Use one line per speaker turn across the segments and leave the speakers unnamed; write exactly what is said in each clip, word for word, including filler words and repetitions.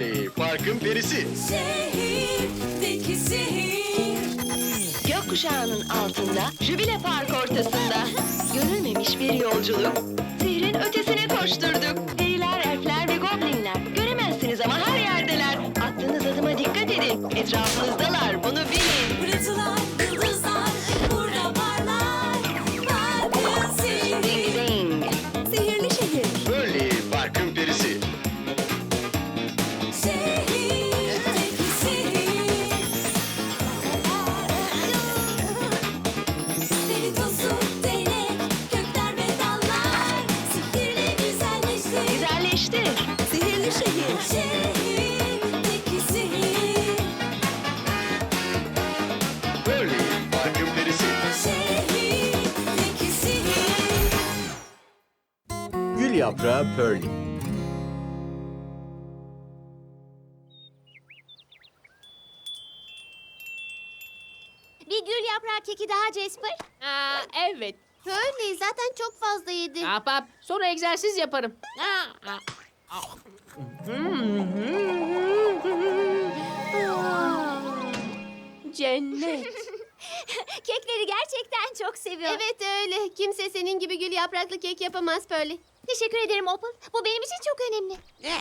Pearly, parkın perisi.
Şehirdeki sihir.
Gökkuşağının altında, jübile park ortasında. Görülmemiş bir yolculuk. Sihrin ötesine koşturduk. Periler, elfler ve goblinler. Göremezsiniz ama her yerdeler. Attığınız adıma dikkat edin. Etrafınızdalar, bunu bilin.
Pırıltılar, yıldızlar, burada parlar. Parkın
Ding
sihiri.
ding. Sihirli şehir.
Pearly, parkın perisi.
Şehirdeki sihir. Deli tozu, değnek, kökler ve dallar. Sihirle güzelleştir.
Güzelleştir. Sihirli şehir.
Şehirdeki sihir.
Pearly, parkın perisi.
Şehirdeki sihir.
Gül yaprağı Pearly.
Bir gül yaprağı keki daha Jasper.
Aa, evet.
Öyle zaten çok fazla yedi.
Ahbap, sonra egzersiz yaparım. Aa, aa. Cennet.
Kekleri gerçekten çok seviyor. Evet öyle. Kimse senin gibi gül yapraklı kek yapamaz böyle. Teşekkür ederim Opal. Bu benim için çok önemli.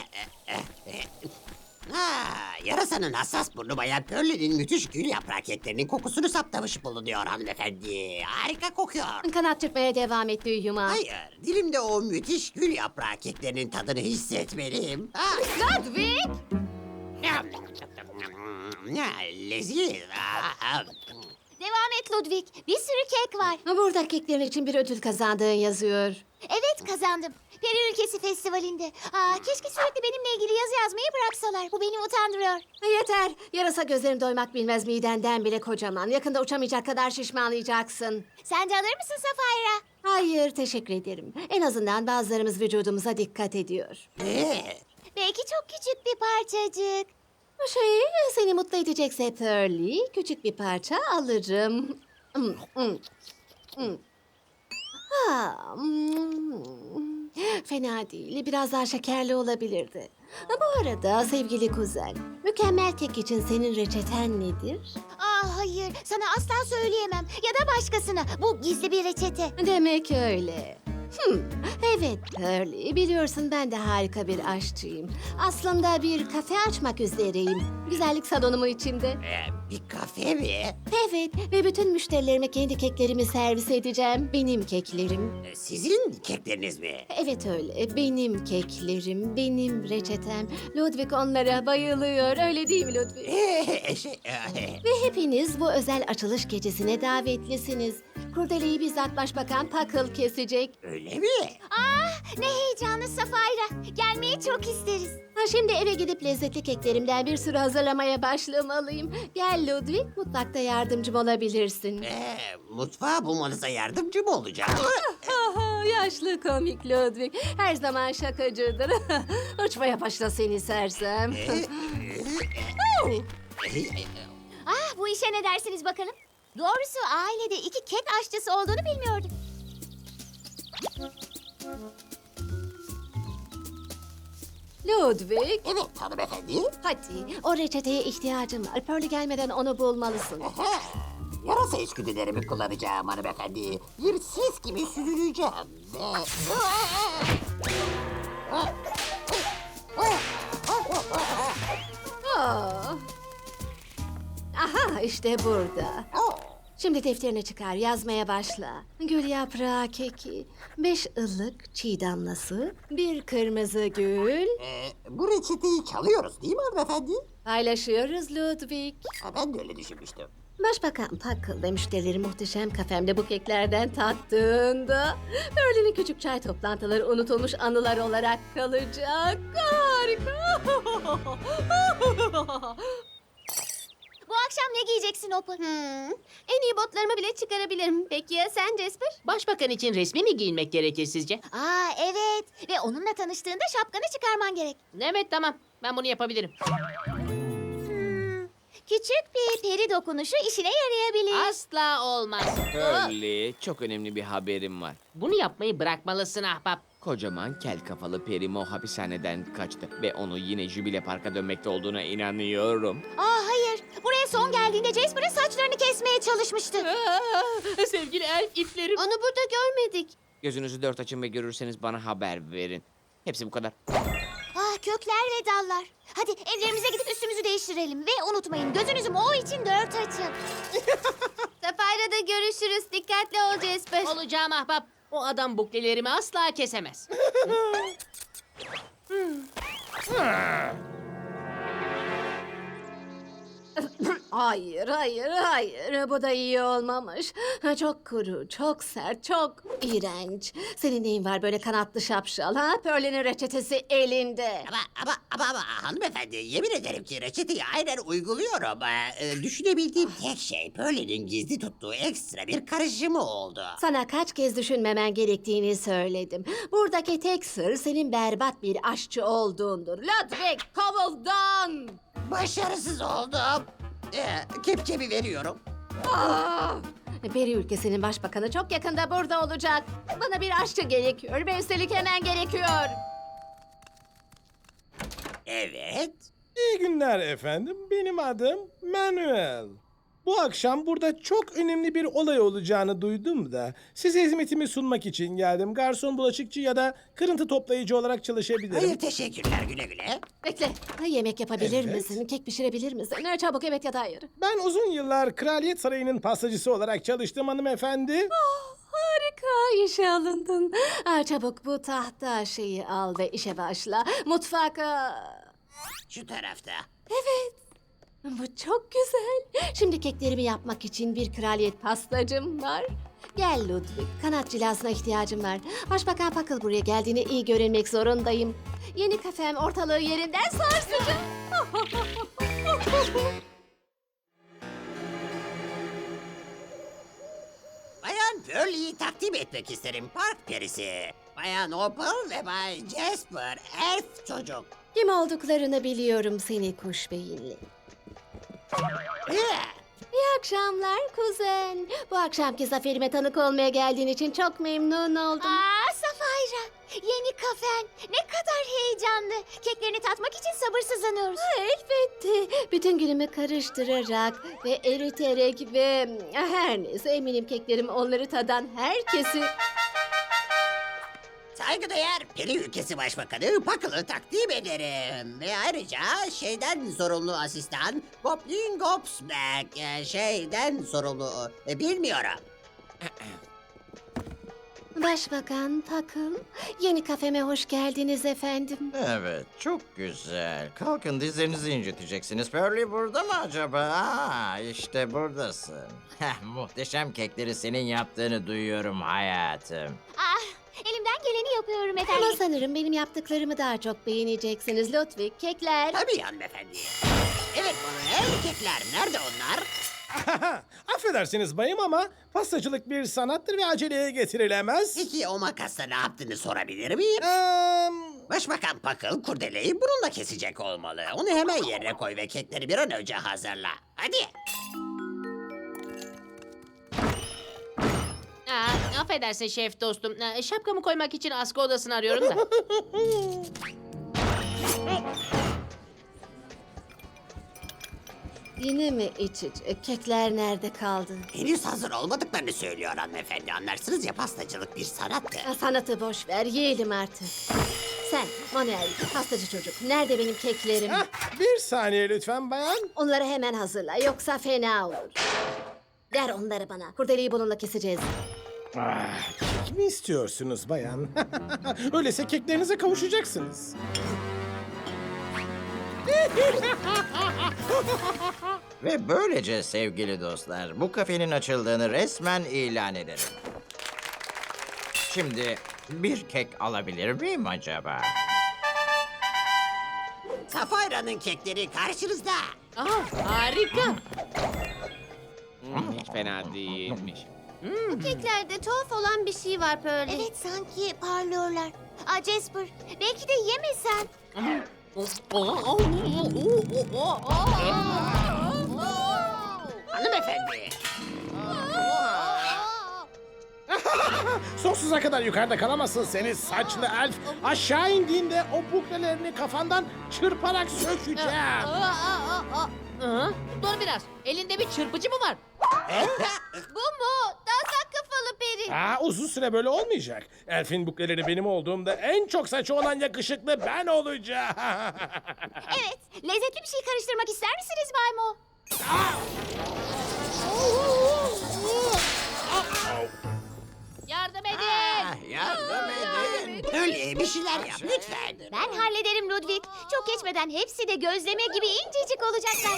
Ha, yarasanın hassas burnu bayan Pearly'nin müthiş gül yaprak keklerinin kokusunu saptamış bulunuyor hanımefendi. Harika kokuyor.
Kanat çırpmaya devam et Büyüma.
Hayır, dilimde o müthiş gül yaprak keklerinin tadını hissetmeliyim. Ha,
Ludwig!
ya, leziz. Ha,
Devam et Ludwig. Bir sürü kek var. Burada keklerin için bir ödül kazandığın yazıyor. Evet kazandım. Peri Ülkesi Festivali'nde. Aa, keşke sürekli benimle ilgili yazı yazmayı bıraksalar. Bu beni utandırıyor. Yeter. Yarasa gözlerim doymak bilmez midenden bile kocaman. Yakında uçamayacak kadar şişmanlayacaksın. Sen de alır mısın Safayra? Hayır teşekkür ederim. En azından bazılarımız vücudumuza dikkat ediyor.
ne?
Belki çok küçük bir parçacık. Şey seni mutlu edecekse Pearly küçük bir parça alırım. Hmm, hmm, hmm. Ha, hmm. Fena değil. Biraz daha şekerli olabilirdi. Ha, bu arada sevgili kuzen, mükemmel kek için senin reçeten nedir? Aa, hayır, sana asla söyleyemem. Ya da başkasına. Bu gizli bir reçete. Demek öyle. Hmm, evet Pearly, biliyorsun ben de harika bir aşçıyım. Aslında bir kafe açmak üzereyim. Güzellik salonumu içinde.
Ee, bir kafe mi?
Evet ve bütün müşterilerime kendi keklerimi servis edeceğim. Benim keklerim.
Ee, Sizin kekleriniz mi?
Evet öyle. Benim keklerim, benim reçetem. Ludwig onlara bayılıyor. Öyle değil mi Ludwig?
Ee, şey, e,
Ve hepiniz bu özel açılış gecesine davetlisiniz. Kurdeleyi bizzat Başbakan Puckle kesecek.
öyle mi?
Ah ne heyecanlı Safayra. Gelmeyi çok isteriz. Ha, şimdi eve gidip lezzetli keklerimden bir sürü hazırlamaya başlamalıyım. Gel Ludwig, mutfakta yardımcım olabilirsin.
Ee, mutfağa bulmanıza yardımcı mı olacak?
Aha, yaşlı komik Ludwig. Her zaman şakacıdır. Uçmaya başla seni sersem. Ah, bu işe ne dersiniz bakalım? Doğrusu ailede iki kek aşçısı olduğunu bilmiyordum. Ludwig,
Evet hanımefendi.
hadi o reçeteye ihtiyacım var. Pearly gelmeden onu bulmalısın.
Aha, yarasa içgüdülerimi kullanacağım hanımefendi. Bir sis gibi süzüleceğim.
Aa. Aha, işte burada. Şimdi defterini çıkar, yazmaya başla. Gül yaprağı keki, beş ılık çiğ damlası, bir kırmızı gül.
Ee, bu reçeteyi çalıyoruz değil mi hanımefendi?
Paylaşıyoruz Ludwig.
Ha, ben de öyle düşünmüştüm.
Başbakan Puckle ve müşterileri muhteşem kafemde bu keklerden tattığında... ...Berlin'in küçük çay toplantıları unutulmuş anılar olarak kalacak. Harika! Bu akşam ne giyeceksin Opal? Hmm, en iyi botlarımı bile çıkarabilirim. Peki ya sen Jasper?
Başbakan için resmi mi giyinmek gerekir sizce?
Aa evet ve onunla tanıştığında şapkanı çıkarman gerek.
Evet, tamam. Ben bunu yapabilirim.
Hmm, küçük bir peri dokunuşu işine yarayabilir.
Asla olmaz.
Pearly, çok önemli bir haberim var.
Bunu yapmayı bırakmalısın ahbap.
Kocaman kel kafalı Perimo hapishaneden kaçtı ve onu yine Jubile Park'a dönmekte olduğuna inanıyorum.
Aa hayır. Buraya son geldiğinde Jasper'ın saçlarını kesmeye çalışmıştı.
Aa, sevgili elf iplerim.
Onu burada görmedik.
Gözünüzü dört açın ve görürseniz bana haber verin. Hepsi bu kadar.
Ah kökler ve dallar. Hadi evlerimize gidip üstümüzü değiştirelim. Ve unutmayın gözünüzü Mo için dört açın. Safari'de görüşürüz. Dikkatli ol Jasper.
Olacağım ahbap. O adam buklelerimi asla kesemez.
Hayır, hayır, hayır. Bu da iyi olmamış. Ha, çok kuru, çok sert, çok iğrenç. Senin neyin var böyle kanatlı şapşal ha? Pearl'in reçetesi elinde.
Ama ama ama, ama hanımefendi yemin ederim ki reçeteyi aynen uyguluyorum. Ee, e, düşünebildiğim tek şey Pearlie'nin gizli tuttuğu ekstra bir karışımı oldu.
Sana kaç kez düşünmemen gerektiğini söyledim. Buradaki tek sır senin berbat bir aşçı olduğundur. Ludwig, kovuldan!
Başarısız oldum. Ee, kepçemi veriyorum.
Ah! Peri ülkesinin başbakanı çok yakında burada olacak. Bana bir aşçı gerekiyor ve üstelik hemen gerekiyor.
Evet.
İyi günler efendim. Benim adım Manuel. Bu akşam burada çok önemli bir olay olacağını duydum da size hizmetimi sunmak için geldim. Garson, bulaşıkçı ya da kırıntı toplayıcı olarak çalışabilirim.
Hayır teşekkürler güle güle.
Bekle. Ha, yemek yapabilir
Evet.
misin? Kek pişirebilir misin? Ne çabuk evet ya da hayır.
Ben uzun yıllar Kraliyet Sarayı'nın pastacısı olarak çalıştım hanımefendi.
Harika işe alındın. Ha, çabuk bu tahta şeyi al ve işe başla. Mutfak... aa,
Şu tarafta.
Bu çok güzel. Şimdi keklerimi yapmak için bir kraliyet pastacım var. Gel Ludwig, kanat cilasına ihtiyacım var. Başbakan Pakıl buraya geldiğine iyi görünmek zorundayım. Yeni kafem ortalığı yerinden sarsacak.
Bayan Pearlie'yi takdim etmek isterim park perisi. Bayan Opal ve Bay Jasper elf çocuk.
Kim olduklarını biliyorum seni kuş beyinli.
Ee,
İyi akşamlar kuzen. Bu akşamki zaferime tanık olmaya geldiğin için çok memnun oldum. Aa Safayra, yeni kafen. Ne kadar heyecanlı. Keklerini tatmak için sabırsızlanıyoruz. Elbette. Bütün günümü karıştırarak ve eriterek ve her neyse eminim keklerim onları tadan herkesi...
Saygıdeğer Peri Ülkesi Başbakanı Pakıl'ı takdim ederim. Ve ayrıca şeyden sorumlu asistan Goblin Gobsmack. e, Şeyden sorumlu e, bilmiyorum.
Başbakan Pakıl, yeni kafeme hoş geldiniz efendim.
Evet, çok güzel. Kalkın dizlerinizi inciteceksiniz. Pearlie burada mı acaba? Aa, işte buradasın. Heh, muhteşem kekleri senin yaptığını duyuyorum hayatım.
Elimden geleni yapıyorum efendim. Ama sanırım benim yaptıklarımı daha çok beğeneceksiniz Ludwig. Kekler.
Tabii hanımefendi. Evet Manuel kekler nerede onlar?
Affedersiniz bayım ama pastacılık bir sanattır ve aceleye getirilemez.
Peki o makasla ne yaptığını sorabilir miyim?
Eee...
Başbakan Pakıl kurdeleyi bununla kesecek olmalı. Onu hemen yerine koy ve kekleri bir an önce hazırla. Hadi.
Aa, affedersin şef dostum. Aa, şapkamı koymak için askı odasını arıyorum da.
Yine mi iç iç? E, Kekler nerede kaldı?
Henüz hazır olmadıklarını söylüyor hanımefendi. Anlarsınız ya pastacılık bir sanattır.
Ha, sanatı boş ver, yiyelim artık. Sen, Manuel, pastacı çocuk. Nerede benim keklerim?
Hah, bir saniye lütfen bayan.
Onları hemen hazırla, yoksa fena olur. Ver onları bana. Kurdeleyi bununla keseceğiz.
Ah, kek mi istiyorsunuz bayan? Öyleyse keklerinize kavuşacaksınız.
Ve böylece sevgili dostlar, bu kafenin açıldığını resmen ilan ederim. Şimdi bir kek alabilir miyim acaba?
Safayra'nın kekleri karşınızda.
Aa, harika.
Hmm, hiç fena değilmiş.
Keklerde tuhaf olan bir şey var Pearl. Evet, sanki parlıyorlar. Aa Jasper, belki de yemesen.
Hanımefendi.
Sonsuza kadar yukarıda kalamazsın seni saçlı elf. Aşağı indiğinde o buklelerini kafandan çırparak sökeceğim.
Aa, aa, aa, aa. Hı? Dur biraz. Elinde bir çırpıcı mı var?
Bu mu? Dansak kafalı peri.
Aa, uzun süre böyle olmayacak. Elfin bukleleri benim olduğumda en çok saçı olan yakışıklı ben olacağım.
Evet, lezzetli bir şey karıştırmak ister misiniz Bay Mo?
Yardım edin.
Ah, yardım edin.
Pearly bir şeyler yap lütfen.
Ben hallederim Ludwig. Çok geçmeden hepsi de gözleme gibi incecik olacaklar.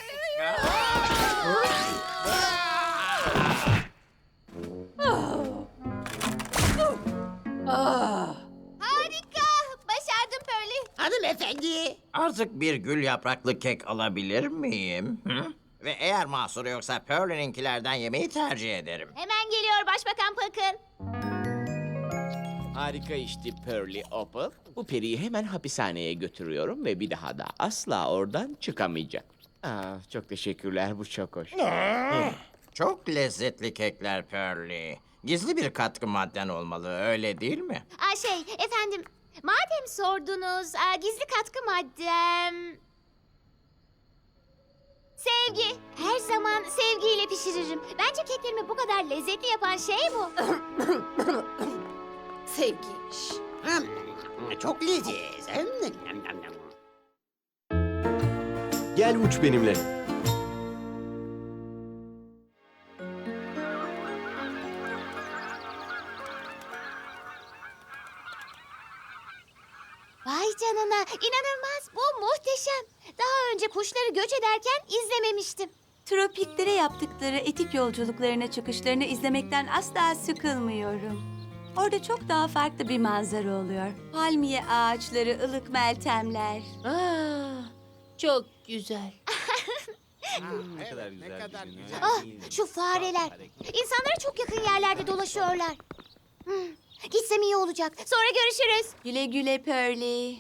Harika! Başardım Pearly.
Hanımefendi.
Artık bir gül yapraklı kek alabilir miyim? Hı? Ve eğer mahsuru yoksa Pearl'ninkilerden yemeyi tercih ederim.
Hemen geliyor Başbakan Pakın.
Harika işti Pearly Opal. Bu periyi hemen hapishaneye götürüyorum ve bir daha da asla oradan çıkamayacak. Aa, çok teşekkürler, bu çok hoş.
Çok lezzetli kekler Pearly. Gizli bir katkı madden olmalı, öyle değil mi?
Aa, şey, efendim, madem sordunuz, aa, gizli katkı maddem... Sevgi. Her zaman sevgiyle pişiririm. Bence keklerimi bu kadar lezzetli yapan şey bu. Sevgiymiş.
Hmm, çok leziz.
Gel uç benimle.
Vay canına, inanılmaz. Bu muhteşem. Daha önce kuşları göç ederken izlememiştim.
Tropiklere yaptıkları etik yolculuklarına çıkışlarını izlemekten asla sıkılmıyorum. Orada çok daha farklı bir manzara oluyor. Palmiye ağaçları, ılık meltemler.
Aa, çok güzel.
Ne kadar güzel. Ne kadar güzel.
Ah, şu fareler. İnsanlara çok yakın yerlerde dolaşıyorlar. Hmm, gitsem iyi olacak. Sonra görüşürüz.
Güle güle Pearly.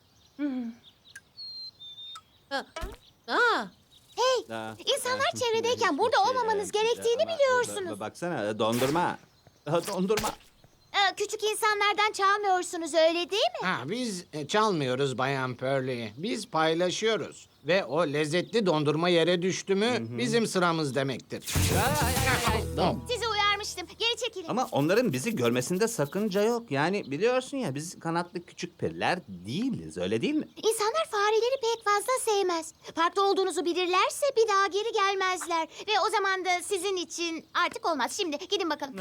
Aa,
Hey, insanlar çevredeyken burada olmamanız gerektiğini biliyorsunuz.
Baksana dondurma. Dondurma.
Ee, küçük insanlardan çalmıyorsunuz, öyle değil mi?
Ha, biz e, çalmıyoruz Bayan Pearly. Biz paylaşıyoruz. Ve o lezzetli dondurma yere düştü mü bizim sıramız demektir.
Sizi uyarmıştım. Geri çekilin.
Ama onların bizi görmesinde sakınca yok. Yani biliyorsun ya biz kanatlı küçük periler değiliz, öyle değil mi?
İnsanlar fareleri pek fazla sevmez. Farklı olduğunuzu bilirlerse bir daha geri gelmezler. Ve o zaman da sizin için artık olmaz. Şimdi gidin bakalım.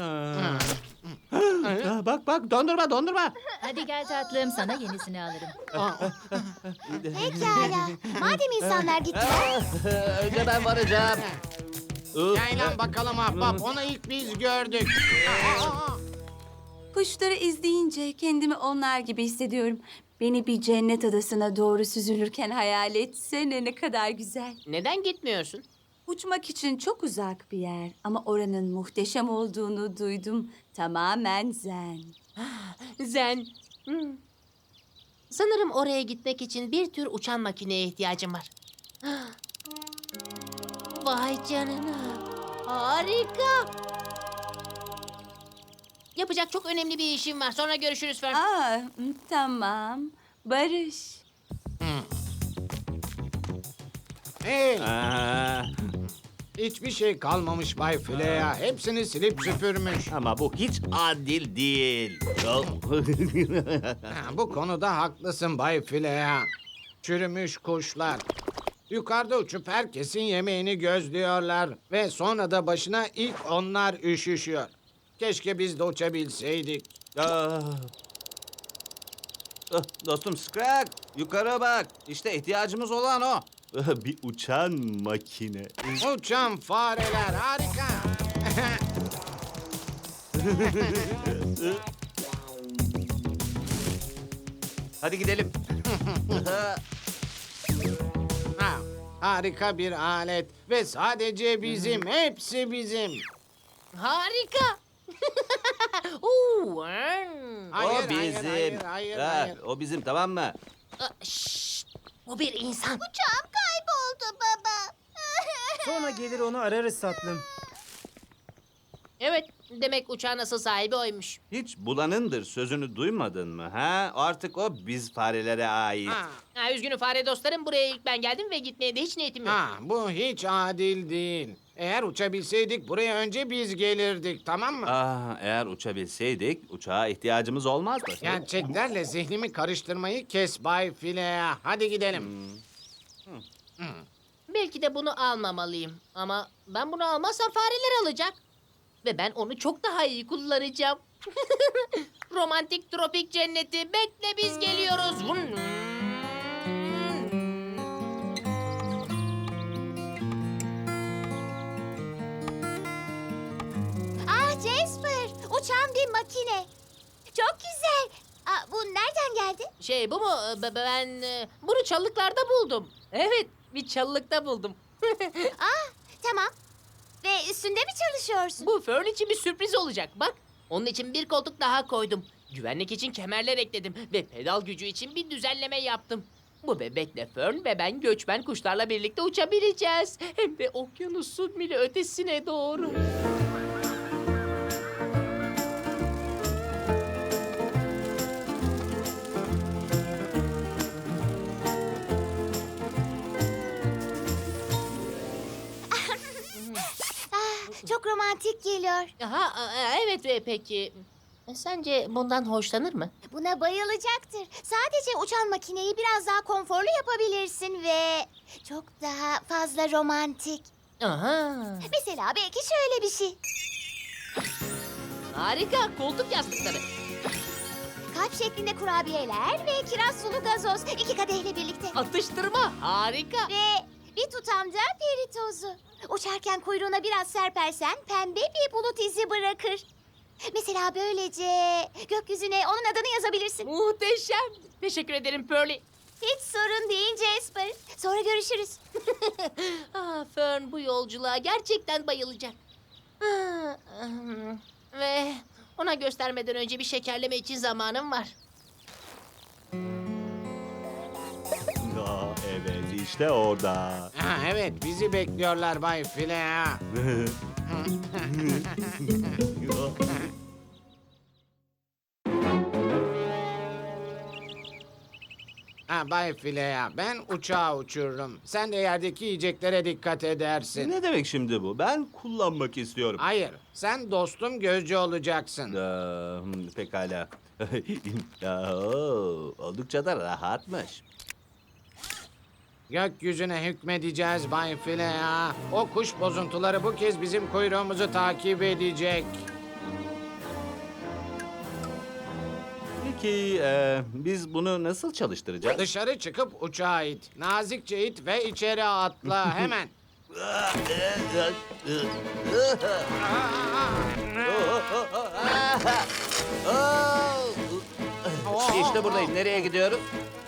Ha, bak bak dondurma dondurma.
Hadi gel tatlım, sana yenisini alırım.
Pekala. Madem insanlar gittiler,
Önce ben varacağım.
Yaylan bakalım ahbap. Onu ilk biz gördük.
Kuşları izleyince kendimi onlar gibi hissediyorum. Beni bir cennet adasına doğru süzülürken hayal etsene, ne kadar güzel.
neden gitmiyorsun?
Uçmak için çok uzak bir yer ama oranın muhteşem olduğunu duydum. Tamamen zen.
Zen. Hmm. Sanırım oraya gitmek için bir tür uçan makineye ihtiyacım var. Vay canına. Harika. Yapacak çok önemli bir işim var. Sonra görüşürüz Fern.
Aa, tamam. Barış.
Hey,
Aa,
hiçbir şey kalmamış Bay Flea. Hepsini silip süpürmüş.
ama bu hiç adil değil.
Ha, bu konuda haklısın Bay Flea. Çürümüş kuşlar. Yukarıda uçup herkesin yemeğini gözlüyorlar. Ve sonra da başına ilk onlar üşüşüyor. Keşke biz de uçabilseydik.
Ah. Ah, Dostum Scrag, yukarı bak. İşte ihtiyacımız olan o. Bir uçan makine.
Uçan fareler harika.
Hadi gidelim.
Ha, harika bir alet. Ve sadece bizim. Hepsi bizim.
Harika. Oo, hmm.
Hayır,
o
hayır,
bizim.
hayır, hayır,
Ha,
hayır.
O bizim, tamam mı?
Aa, şşt. O bir insan.
uçağım kayboldu baba.
Sonra gelir onu ararız tatlım.
Evet, Demek uçağın asıl sahibi oymuş.
Hiç bulanındır sözünü duymadın mı ha? Artık o biz farelere ait.
Ha,
Ha, üzgünüm fare dostlarım, buraya ilk ben geldim ve gitmeye de hiç niyetim yok.
ha, bu hiç adil değil. Eğer uçabilseydik buraya önce biz gelirdik, tamam mı?
Ah, eğer uçabilseydik uçağa ihtiyacımız olmazdı.
Gerçeklerle zihnimi karıştırmayı kes Bay Filea. Hadi gidelim.
Belki de bunu almamalıyım. Ama ben bunu almazsam fareler alacak. Ve ben onu çok daha iyi kullanacağım. Romantik tropik cenneti, bekle biz geliyoruz.
Ah Jasper, uçan bir makine. Çok güzel. Aa, bu nereden geldi?
Şey bu mu? Be- Ben e, bunu çalılıklarda buldum. Evet, bir çalılıkta buldum.
Ah, tamam. Ve üstünde mi çalışıyorsun?
Bu Fern için bir sürpriz olacak. Bak, onun için bir koltuk daha koydum. Güvenlik için kemerler ekledim ve pedal gücü için bir düzenleme yaptım. Bu bebekle Fern ve ben göçmen kuşlarla birlikte uçabileceğiz. Hem de okyanusun bile ötesine doğru.
Ah, çok romantik geliyor.
Aha, e, evet ve peki. e, Sence bundan hoşlanır mı?
Buna bayılacaktır. Sadece uçan makineyi biraz daha konforlu yapabilirsin ve çok daha fazla romantik.
Aha.
Mesela belki şöyle bir şey.
Harika, koltuk yastıkları.
Kalp şeklinde kurabiyeler ve kiraz sulu gazoz iki kadehle birlikte.
Atıştırma, harika.
Ve bir tutam da peri tozu. Uçarken kuyruğuna biraz serpersen pembe bir bulut izi bırakır. Mesela böylece gökyüzüne onun adını yazabilirsin.
Muhteşem. Teşekkür ederim Pearly.
Hiç sorun değil Jasper. Sonra görüşürüz.
Ah, Fern bu yolculuğa gerçekten bayılacak. Ah, hmm. Ve ona göstermeden önce bir şekerleme için zamanım var.
Aa, evet işte orada.
Ha, evet, bizi bekliyorlar Bay Filea. Ha, Bay Filea, ben uçağı uçururum. Sen de yerdeki yiyeceklere dikkat edersin.
Ne demek şimdi bu? Ben kullanmak istiyorum.
Hayır, sen dostum gözcü olacaksın.
Aa, hmm, pekala. Aa, oo, oldukça da rahatmış.
Gökyüzüne hükmedeceğiz Bay Filea. O kuş bozuntuları bu kez bizim kuyruğumuzu takip edecek.
Peki e, biz bunu nasıl çalıştıracağız?
Dışarı çıkıp uçağa it. Nazikçe it ve içeri atla hemen.
İşte buradayım. Nereye gidiyoruz?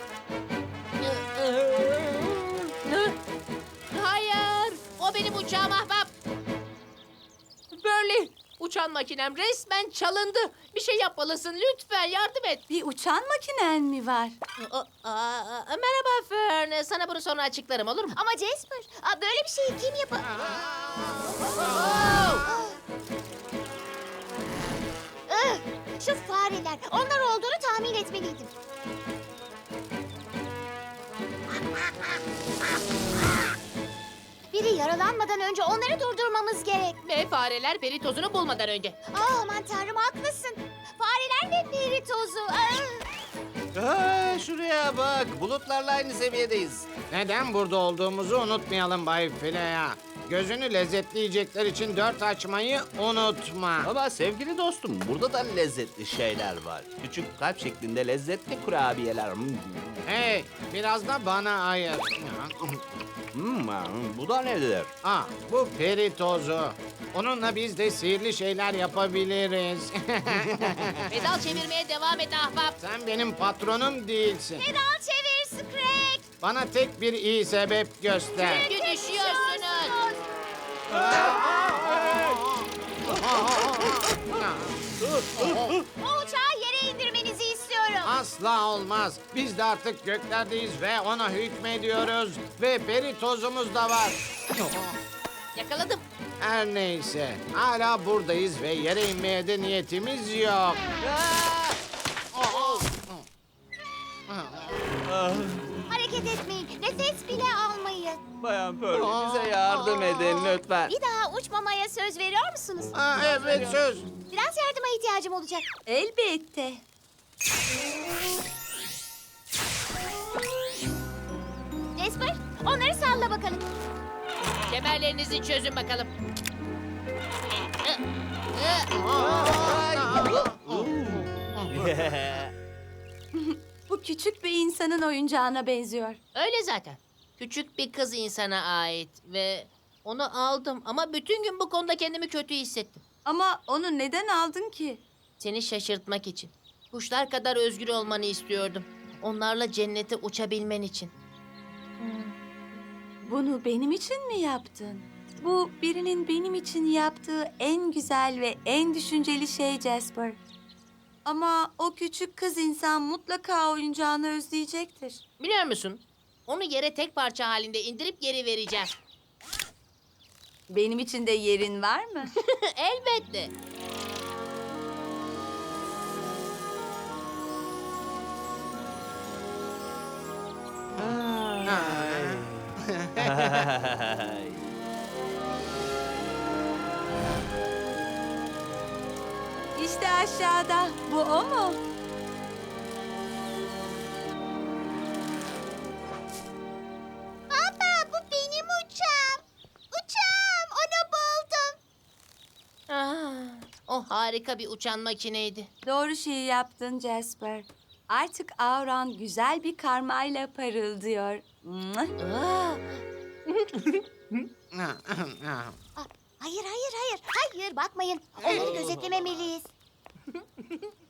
Hayır, o benim uçağım ahbap. Pearly, uçan makinem resmen çalındı. Bir şey yapmalısın, lütfen yardım et.
Bir uçan makinen mi var?
Aa, aa, merhaba Fern, sana bunu sonra açıklarım olur mu?
Ama Jasper, aa, böyle bir şeyi kim yapar? Ih, şu fareler, onlar olduğunu tahmin etmeliydim. Biri yaralanmadan önce onları durdurmamız gerek.
Ve fareler peri tozunu bulmadan önce.
Aa, aman tanrım haklısın. Fareler ve peri tozu. Aa.
Aa, şuraya bak. Bulutlarla aynı seviyedeyiz.
Neden burada olduğumuzu unutmayalım Bay Filea. Gözünü lezzetli yiyecekler için dört açmayı unutma.
Ama sevgili dostum burada da lezzetli şeyler var. Küçük kalp şeklinde lezzetli kurabiyeler. Hmm.
Hey, biraz da bana ayır.
Hmm, bu da nedir?
Ah, bu peri tozu. Onunla biz de sihirli şeyler yapabiliriz.
Pedal çevirmeye devam et ahbap.
Sen benim patronum değilsin.
Pedal çevir Scrag.
Bana tek bir iyi sebep göster.
Çünkü düşüyorsunuz.
O uçağı yere indirmenizi istiyorum.
Asla olmaz. Biz de artık göklerdeyiz ve ona hükmediyoruz. Ve peri tozumuz da var.
Yakaladım.
Her neyse, hala buradayız ve yere inmeye de niyetimiz yok.
Hareket etmeyin. Nefes bile almayın.
Bayan Pearl bize yardım edin lütfen.
Bir daha uçmamaya söz veriyor musunuz?
Ha, evet söz.
Biraz yardıma ihtiyacım olacak.
Elbette.
Jasper, onları salla bakalım.
Kemerlerinizi çözün bakalım.
Bu küçük bir insanın oyuncağına benziyor.
Öyle zaten. Küçük bir kız insana ait ve onu aldım ama bütün gün bu konuda kendimi kötü hissettim.
Ama onu neden aldın ki?
Seni şaşırtmak için. Kuşlar kadar özgür olmanı istiyordum. Onlarla cennete uçabilmen için.
Bunu benim için mi yaptın? Bu birinin benim için yaptığı en güzel ve en düşünceli şey Jasper. Ama o küçük kız insan mutlaka oyuncağını özleyecektir.
Biliyor musun? Onu yere tek parça halinde indirip geri vereceğim.
Benim için de yerin var mı?
Elbette.
İşte aşağıda. Bu o mu?
Baba, bu benim uçağım. Uçağım, onu buldum.
Ah, o harika bir uçan makineydi.
Doğru şeyi yaptın Jasper. Artık auran güzel bir karmayla parıldıyor. Mwah!
Ah,
Hayır, hayır, hayır. Hayır, bakmayın. Onları gözetlememeliyiz.